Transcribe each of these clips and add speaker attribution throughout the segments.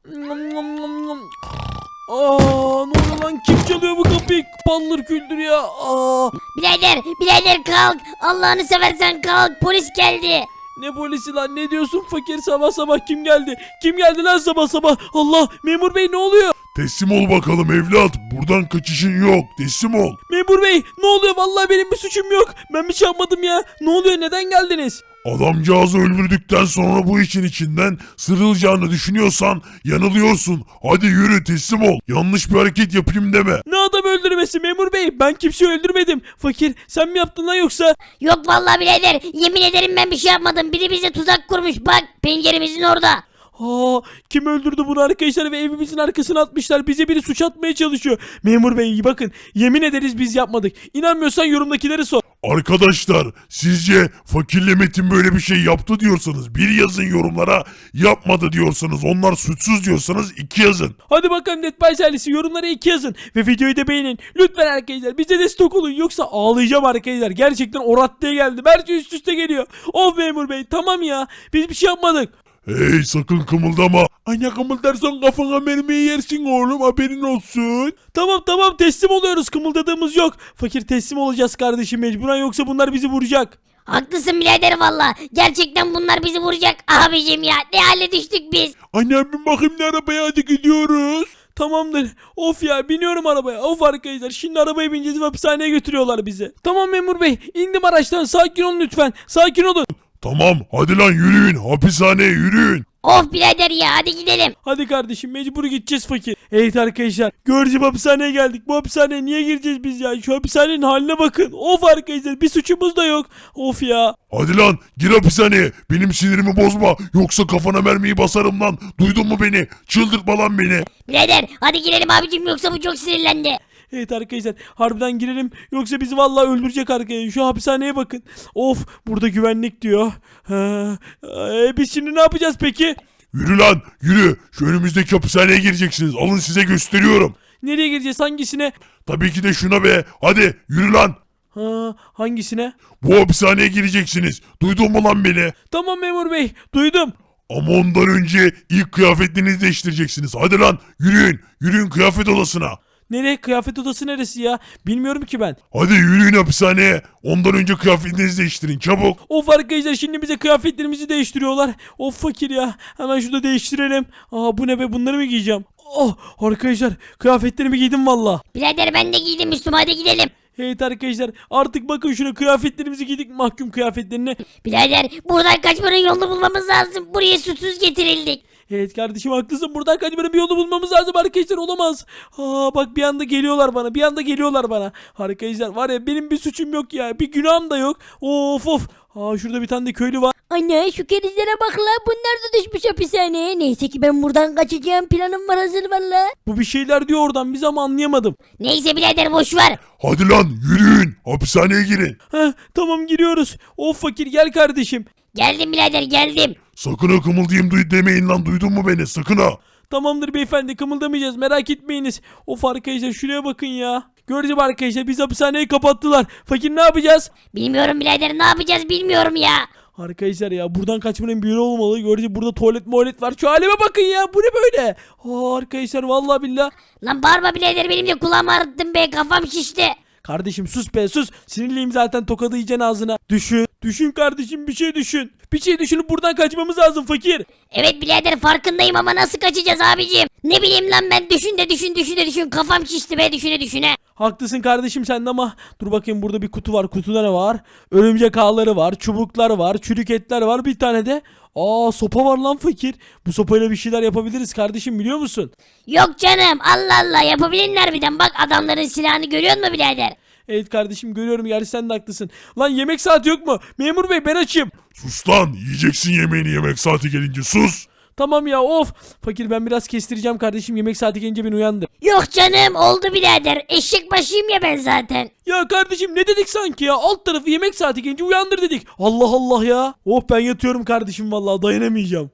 Speaker 1: Aa, ne oluyor lan? Kim çalıyor bu kapıyı? Paldır küldür ya. Aa,
Speaker 2: Birader kalk. Allah'ını seversen kalk. Polis geldi.
Speaker 1: ne polisi lan? Ne diyorsun fakir? Sabah sabah kim geldi? Kim geldi lan sabah sabah? Allah, memur bey ne oluyor?
Speaker 3: Teslim ol bakalım evlat. Buradan kaçışın yok. Teslim ol.
Speaker 1: Memur bey ne oluyor? Vallahi benim bir suçum yok. Ben bir şey yapmadım ya. Ne oluyor? Neden geldiniz?
Speaker 3: Adamcağızı öldürdükten sonra bu işin içinden sıyrılacağını düşünüyorsan yanılıyorsun. Hadi yürü teslim ol. Yanlış bir hareket yapayım deme.
Speaker 1: Ne adam öldürmesi memur bey? Ben kimseyi öldürmedim. Fakir sen mi yaptın lan yoksa?
Speaker 2: Yok vallahi birader. Yemin ederim ben bir şey yapmadım. Biri bize tuzak kurmuş. Bak penceremizin orada.
Speaker 1: Aa, kim öldürdü bunu arkadaşlar ve evimizin arkasına atmışlar. Bize biri suç atmaya çalışıyor. Memur bey iyi bakın. Yemin ederiz biz yapmadık. İnanmıyorsan yorumdakileri sor.
Speaker 3: Arkadaşlar sizce fakirle Metin böyle bir şey yaptı diyorsanız bir yazın yorumlara, yapmadı diyorsanız onlar suçsuz diyorsanız 2 yazın.
Speaker 1: Hadi bakalım Netbay ailesi yorumlara 2 yazın. Ve videoyu da beğenin. Lütfen arkadaşlar bize destek olun. Yoksa ağlayacağım arkadaşlar. Gerçekten o raddeye geldim. Her şey üst üste geliyor. Of memur bey tamam ya. Biz bir şey yapmadık.
Speaker 3: Hey sakın kımıldama. Anne kımıldarsan kafana mermiyi yersin oğlum haberin olsun.
Speaker 1: Tamam teslim oluyoruz. Kımıldadığımız yok. Fakir teslim olacağız kardeşim mecburen yoksa bunlar bizi vuracak.
Speaker 2: Haklısın birader valla. Gerçekten bunlar bizi vuracak. Abicim ya ne hale düştük biz.
Speaker 3: Anne bin bakayım ne arabaya hadi gidiyoruz.
Speaker 1: Tamamdır. Of ya biniyorum arabaya. Of arkadaşlar şimdi arabaya bineceğiz ve hapishaneye götürüyorlar bizi. Tamam memur bey indim araçtan sakin olun lütfen. Sakin olun.
Speaker 3: Tamam hadi lan yürüyün hapishaneye yürüyün.
Speaker 2: Of birader ya hadi gidelim.
Speaker 1: Hadi kardeşim mecbur gideceğiz fakir. Evet arkadaşlar gördüğüm hapishaneye geldik. Bu hapishaneye niye gireceğiz biz ya? Şu hapishanenin haline bakın. Of arkadaşlar bir suçumuz da yok. Of ya.
Speaker 3: Hadi lan gir hapishaneye benim sinirimi bozma yoksa kafana mermiyi basarım lan duydun mu beni çıldırtma lan beni.
Speaker 2: Birader hadi girelim abicim yoksa bu çok sinirlendi.
Speaker 1: Evet arkadaşlar harbiden girelim yoksa bizi vallahi öldürecek arkadaşlar. Şu hapishaneye bakın. Of burada güvenlik diyor. Biz şimdi ne yapacağız peki?
Speaker 3: Yürü lan yürü şu önümüzdeki hapishaneye gireceksiniz alın size gösteriyorum.
Speaker 1: Nereye gireceğiz hangisine?
Speaker 3: Tabii ki de şuna be hadi yürü lan.
Speaker 1: Hangisine?
Speaker 3: Bu hapishaneye gireceksiniz duydun mu lan beni?
Speaker 1: Tamam memur bey duydum.
Speaker 3: Ama ondan önce ilk kıyafetlerinizi değiştireceksiniz hadi lan yürüyün kıyafet odasına.
Speaker 1: Nereye? Kıyafet odası neresi ya? Bilmiyorum ki ben.
Speaker 3: Hadi yürüyün hapishaneye. Ondan önce kıyafetlerinizi değiştirin çabuk.
Speaker 1: Of arkadaşlar şimdi bize kıyafetlerimizi değiştiriyorlar. Of fakir ya. Hemen şurada değiştirelim. Bu ne be bunları mı giyeceğim? Oh arkadaşlar kıyafetlerimi giydim valla.
Speaker 2: Birader ben de giydim üstüme hadi gidelim.
Speaker 1: Evet arkadaşlar artık bakın şuna kıyafetlerimizi giydik mahkum kıyafetlerini.
Speaker 2: Birader buradan kaçmanın yolunu bulmamız lazım. Buraya susuz getirildik.
Speaker 1: Evet kardeşim haklısın buradan kaçmanın bir yolu bulmamız lazım arkadaşlar olamaz. Bak bir anda geliyorlar bana Arkadaşlar var ya benim bir suçum yok ya bir günahım da yok. Of. Şurada bir tane de köylü var.
Speaker 2: Anne şu kerizlere bak la bunlar da düşmüş hapishaneye. Neyse ki ben buradan kaçacağım planım var hazır valla.
Speaker 1: Bu bir şeyler diyor oradan biz ama anlayamadım.
Speaker 2: Neyse birader boş ver.
Speaker 3: Hadi lan yürüyün hapishaneye girin.
Speaker 1: Tamam giriyoruz. Of fakir gel kardeşim.
Speaker 2: Geldim birader geldim.
Speaker 3: Sakın ha kımıldayım demeyin lan duydun mu beni sakın ha.
Speaker 1: Tamamdır beyefendi kımıldamayacağız merak etmeyiniz. Of arkadaşlar şuraya bakın ya. Göreceğim arkadaşlar biz hapishaneyi kapattılar. Fakir ne yapacağız?
Speaker 2: Bilmiyorum birader ne yapacağız bilmiyorum ya.
Speaker 1: Arkadaşlar ya buradan kaçmanın bir yolu olmalı. Göreceğim burada tuvalet var. Şu halime bakın ya bu ne böyle? Arkadaşlar vallahi billah.
Speaker 2: Lan bağırma birader benim de kulağımı ağrıttın be kafam şişti.
Speaker 1: Kardeşim sus be sus. Sinirliyim zaten tokadı yiyeceksin ağzına. Düşün kardeşim bir şey düşün. Bir şey düşünüp buradan kaçmamız lazım fakir.
Speaker 2: Evet birader farkındayım ama nasıl kaçacağız abicim? Ne bileyim lan ben düşün kafam şişti be düşüne.
Speaker 1: Haklısın kardeşim sen de ama dur bakayım burada bir kutu var. Kutuda ne var? Örümcek ağları var, çubuklar var, çürük etler var. Bir tane de sopa var lan fakir. Bu sopayla bir şeyler yapabiliriz kardeşim biliyor musun?
Speaker 2: Yok canım Allah Allah yapabilirler birden bak adamların silahını görüyor musun birader?
Speaker 1: Evet kardeşim görüyorum gerçi sen de haklısın. Lan yemek saati yok mu? Memur bey ben açım.
Speaker 3: Sus lan yiyeceksin yemeğini yemek saati gelince sus.
Speaker 1: Tamam ya of. Fakir ben biraz kestireceğim kardeşim yemek saati gelince beni uyandır.
Speaker 2: Yok canım oldu birader eşek başıyım ya ben zaten.
Speaker 1: Ya kardeşim ne dedik sanki ya alt tarafı yemek saati gelince uyandır dedik. Allah Allah ya. Oh ben yatıyorum kardeşim vallahi dayanamayacağım.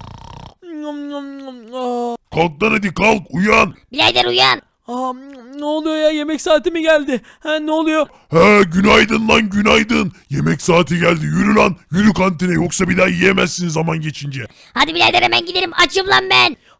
Speaker 3: Kalk lan hadi kalk uyan.
Speaker 2: Birader uyan.
Speaker 1: Ne oluyor ya yemek saati mi geldi? Ne oluyor?
Speaker 3: Günaydın lan günaydın. Yemek saati geldi yürü lan yürü kantine yoksa bir daha yiyemezsin zaman geçince.
Speaker 2: Hadi birader hemen gidelim açım lan ben.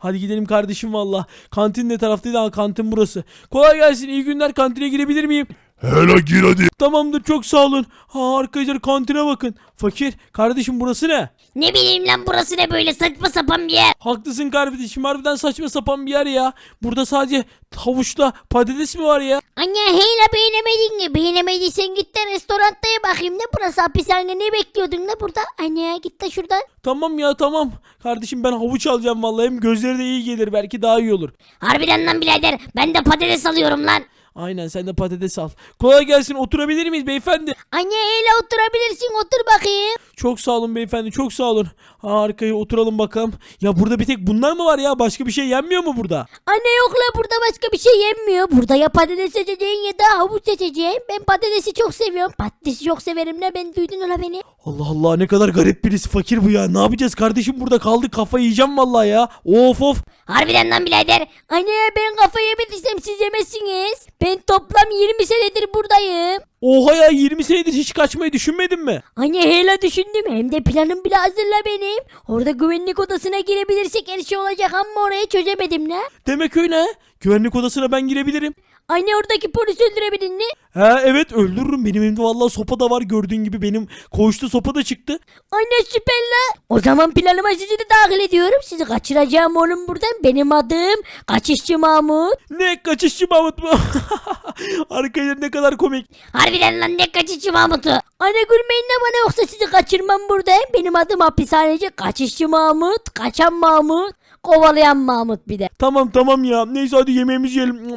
Speaker 1: Hadi gidelim kardeşim valla. Kantin ne taraftaydı? Ha, kantin burası. Kolay gelsin, iyi günler, kantine girebilir miyim?
Speaker 3: Hele gir hadi.
Speaker 1: Tamamdır, çok sağ olun. Ha arkadaşlar, kantine bakın. Fakir kardeşim, burası ne?
Speaker 2: Ne bileyim lan, burası ne böyle saçma sapan bir yer.
Speaker 1: Haklısın kardeşim, harbiden saçma sapan bir yer ya. Burada sadece havuçla patates mi var ya?
Speaker 2: Anne hele beğenemedin mi? Beğenemediysen git de restorantaya bakayım, ne burası hapishane, ne bekliyordun ne burada? Anne git de şuradan.
Speaker 1: Tamam ya, tamam. Kardeşim ben havuç alacağım vallahi, hem gözleri de iyi gelir, belki daha iyi olur.
Speaker 2: Harbiden lan birader, ben de patates alıyorum lan.
Speaker 1: Aynen, sen de patates al. Kolay gelsin, oturabilir miyiz beyefendi?
Speaker 2: Anne hele oturabilirsin, otur bakayım.
Speaker 1: Çok sağ olun beyefendi, çok sağ olun. Ha, arkaya oturalım bakalım. Ya burada bir tek bunlar mı var ya? Başka bir şey yenmiyor mu burada?
Speaker 2: Anne yok la, burada başka bir şey yenmiyor. Burada ya patates seçeceğin ya da havuç seçeceğin. Ben patatesi çok seviyorum. Patatesi çok severim la, ben duydun ola beni.
Speaker 1: Allah Allah, ne kadar garip birisi fakir bu ya. Ne yapacağız kardeşim, burada kaldık, kafayı yiyeceğim vallahi ya. Of of.
Speaker 2: Harbiden lan birader. Anne ben kafayı yemediysem siz yemezsiniz. Ben toplam 20 senedir buradayım.
Speaker 1: Oha ya, 20 senedir hiç kaçmayı düşünmedin mi?
Speaker 2: Anne hele düşündüm, hem de planım bile hazırla benim. Orada güvenlik odasına girebilirsek her şey olacak ama orayı çözemedim la.
Speaker 1: Demek öyle ha. Güvenlik odasına ben girebilirim.
Speaker 2: Anne oradaki polisi öldürebildin mi?
Speaker 1: Ha evet, öldürürüm. Benim elimde vallahi sopa da var, gördüğün gibi benim koğuşta sopa da çıktı.
Speaker 2: Anne süper la. O zaman planıma sizi de dahil ediyorum. Sizi kaçıracağım oğlum buradan. Benim adım Kaçışçı Mahmut.
Speaker 1: Ne kaçışçı Mahmut mu? Arkadaşlar ne kadar komik.
Speaker 2: Harbiden lan, ne Kaçışçı Mahmut'u. Anne gülmeyin de bana, yoksa sizi kaçırmam buradayım. Benim adım hapishaneci Kaçışçı Mahmut. Kaçan Mahmut. Kovalayan Mahmut bir de.
Speaker 1: Tamam tamam ya. Neyse hadi yemeğimizi yiyelim.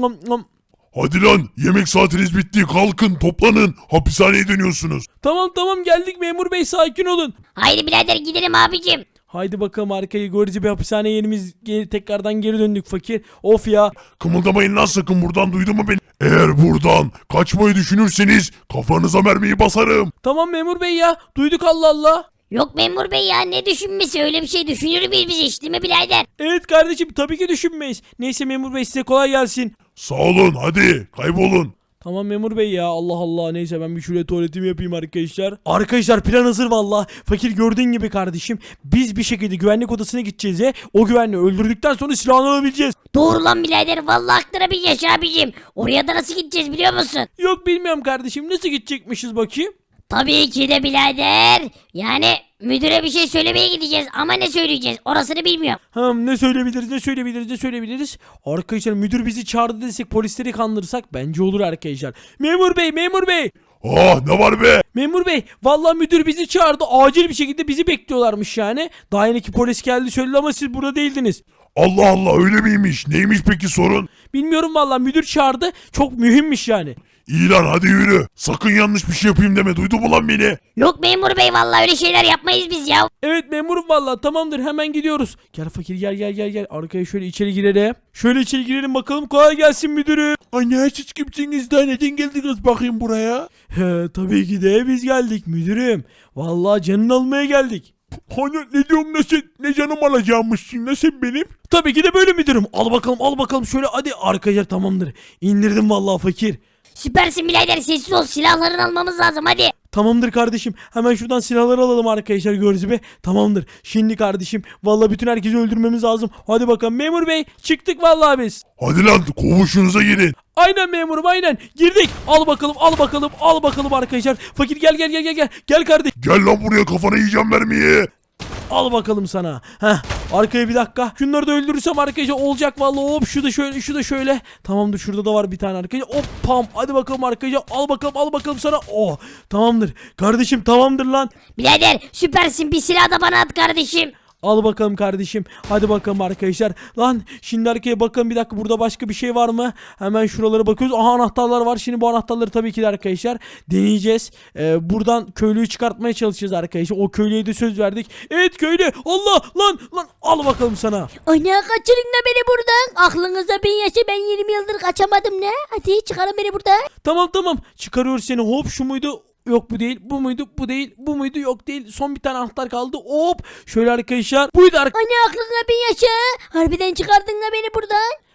Speaker 3: Hadi lan yemek saatiniz bitti. Kalkın toplanın. Hapishaneye dönüyorsunuz.
Speaker 1: Tamam tamam, geldik memur bey, sakin olun.
Speaker 2: Haydi birader gidelim abicim.
Speaker 1: Haydi bakalım, arkayı görücü bir hapishane yerimiz, tekrardan geri döndük fakir. Of ya.
Speaker 3: Kımıldamayın lan sakın, buradan duydun mu beni? Eğer buradan kaçmayı düşünürseniz kafanıza mermiyi basarım.
Speaker 1: Tamam memur bey ya, duyduk, Allah Allah.
Speaker 2: Yok memur bey ya, ne düşünmesi, öyle bir şey düşünür müyüz biz hiç, değil mi birader?
Speaker 1: Evet kardeşim, tabii ki düşünmeyiz. Neyse memur bey, size kolay gelsin.
Speaker 3: Sağ olun, hadi kaybolun.
Speaker 1: Tamam memur bey ya, Allah Allah, neyse ben bir şuraya tuvaletimi yapayım arkadaşlar. Arkadaşlar plan hazır valla. Fakir gördüğün gibi kardeşim, biz bir şekilde güvenlik odasına gideceğiz ve o güvenliği öldürdükten sonra silahını alabileceğiz.
Speaker 2: Doğru lan birader, vallahi aklına bir yaş abicim. Oraya da nasıl gideceğiz biliyor musun?
Speaker 1: Yok bilmiyorum kardeşim, nasıl gidecekmişiz bakayım.
Speaker 2: Tabii ki de birader. Yani müdüre bir şey söylemeye gideceğiz ama ne söyleyeceğiz orasını bilmiyorum.
Speaker 1: Ne söyleyebiliriz, ne söyleyebiliriz, ne söyleyebiliriz. Arkadaşlar müdür bizi çağırdı desek, polisleri kandırırsak bence olur arkadaşlar. Memur bey, memur bey.
Speaker 3: Ah ne var be?
Speaker 1: Memur bey, vallahi müdür bizi çağırdı, acil bir şekilde bizi bekliyorlarmış yani. Daha yeni ki polis geldi söyledi ama siz burada değildiniz.
Speaker 3: Allah Allah, öyle miymiş? Neymiş peki sorun?
Speaker 1: Bilmiyorum vallahi, müdür çağırdı, çok mühimmiş yani.
Speaker 3: İyi lan hadi yürü. Sakın yanlış bir şey yapayım deme, duydun mu lan beni?
Speaker 2: Yok memur bey, vallahi öyle şeyler yapmayız biz ya.
Speaker 1: Evet memurum vallahi, tamamdır, hemen gidiyoruz. Gel fakir, gel gel gel gel, arkaya şöyle içeri girelim. Şöyle içeri girelim bakalım, kolay gelsin müdürüm.
Speaker 3: Anne siz kimsiniz de neden geldiniz bakayım buraya?
Speaker 1: He tabii ki de biz geldik müdürüm. Vallahi canını almaya geldik.
Speaker 3: Hani ne diyorsun, ne sen, ne canım alacağımmışsın, ne sen benim?
Speaker 1: Tabii ki de böyle müdürüm. Al bakalım, al bakalım şöyle, hadi arkadaşlar, tamamdır. İndirdim vallahi fakir.
Speaker 2: Süpersin birader, sessiz ol, silahlarını almamız lazım hadi.
Speaker 1: Tamamdır kardeşim. Hemen şuradan silahları alalım arkadaşlar, gördüğünüz gibi. Tamamdır. Şimdi kardeşim, vallahi bütün herkesi öldürmemiz lazım. Hadi bakalım memur bey, çıktık vallahi biz.
Speaker 3: Hadi lan koğuşunuza girin.
Speaker 1: Aynen memurum, aynen. Girdik. Al bakalım, al bakalım, al bakalım arkadaşlar. Fakir gel gel gel gel gel. Gel kardeş.
Speaker 3: Gel lan buraya, kafana yiyeceğim mermiyi.
Speaker 1: Al bakalım sana. Heh. Arkaya bir dakika. Şunları da öldürürsem arkadaşlar olacak vallahi. Hop, şu da şöyle, şu da şöyle. Tamamdır, şurada da var bir tane arkadaşlar. Hop pam. Hadi bakalım arkadaşlar. Al bakalım, al bakalım sana. Oh. Tamamdır. Kardeşim tamamdır lan.
Speaker 2: Birader süpersin, bir silah da bana at kardeşim.
Speaker 1: Al bakalım kardeşim. Hadi bakalım arkadaşlar. Lan şimdi arkaya bakalım, bir dakika, burada başka bir şey var mı? Hemen şuralara bakıyoruz. Aha, anahtarlar var. Şimdi bu anahtarları tabii ki de arkadaşlar deneyeceğiz. Buradan köylüyü çıkartmaya çalışacağız arkadaşlar. O köylüye de söz verdik. Evet köylü. Allah lan lan, al bakalım sana.
Speaker 2: Ana kaçırın da beni buradan. Aklınıza bin yaşa, ben 20 yıldır kaçamadım ne? Hadi çıkarın beni buradan.
Speaker 1: Tamam tamam. Çıkarıyoruz seni. Hop, şu muydu? Yok bu değil. Bu muydu? Bu değil. Bu muydu? Yok değil. Son bir tane anahtar kaldı. Hop. Şöyle arkadaşlar. Buydu arkadaşlar.
Speaker 2: Ana aklına bin yaşa. Harbiden çıkardın da beni buradan.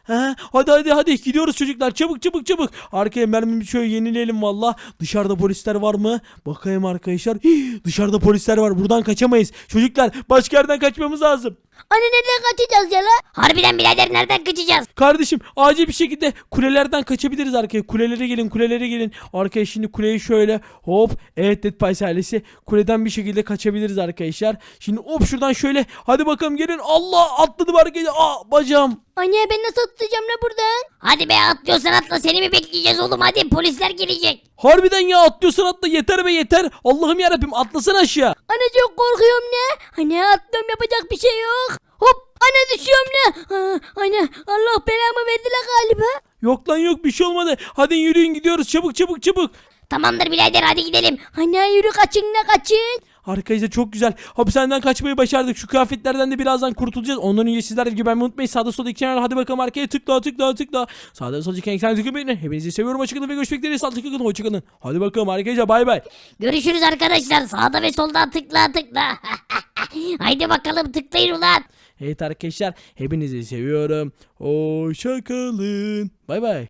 Speaker 1: Hadi gidiyoruz çocuklar, çabuk. Arkaya mermimizi şöyle yenileyelim valla. Dışarıda polisler var mı? Bakayım arkadaşlar. Dışarıda polisler var, buradan kaçamayız. Çocuklar başka yerden kaçmamız lazım.
Speaker 2: Anne nereden kaçacağız ya la? Harbiden birader nereden kaçacağız?
Speaker 1: Kardeşim acil bir şekilde kulelerden kaçabiliriz arkaya. Kulelere gelin. Arkaya şimdi kuleyi şöyle hop. Evet Dead Pies ailesi. Kuleden bir şekilde kaçabiliriz arkadaşlar. Şimdi hop şuradan şöyle. Hadi bakalım gelin. Allah atladım arkaya. Bacağım.
Speaker 2: Anne ben nasıl atlayacağım la buradan? Hadi be atlıyorsan atla seni mi bekleyeceğiz oğlum hadi polisler gelecek.
Speaker 1: Harbiden ya, atlıyorsan atla, yeter be yeter. Allah'ım yarabbim, atlasana aşağı.
Speaker 2: Anne çok korkuyorum ne? Anne atlıyorum yapacak bir şey yok. Hop anne düşüyorum ne? Anne Allah belamı verdi la galiba.
Speaker 1: Yok lan yok, bir şey olmadı. Hadi yürüyün gidiyoruz, çabuk.
Speaker 2: Tamamdır birader hadi gidelim. Anne yürü kaçın.
Speaker 1: Arkadaşlar çok güzel. Hapishaneden kaçmayı başardık. Şu kıyafetlerden de birazdan kurtulacağız. Ondan önce sizler de güvenmeyi unutmayın. Sağda solda iki kenara hadi bakalım arkaya tıkla. Sağda solda iki kenara tıklayın. Hepinizi seviyorum. Hoşçakalın ve görüşmek dileğiyle. Sağlıklı kalın. Hoşçakalın. Hadi bakalım arkadaşlar, bay bay.
Speaker 2: Görüşürüz arkadaşlar sağda ve soldan tıkla. Haydi bakalım tıklayın ulan.
Speaker 1: Evet arkadaşlar, hepinizi seviyorum. Hoşçakalın. Bay bay.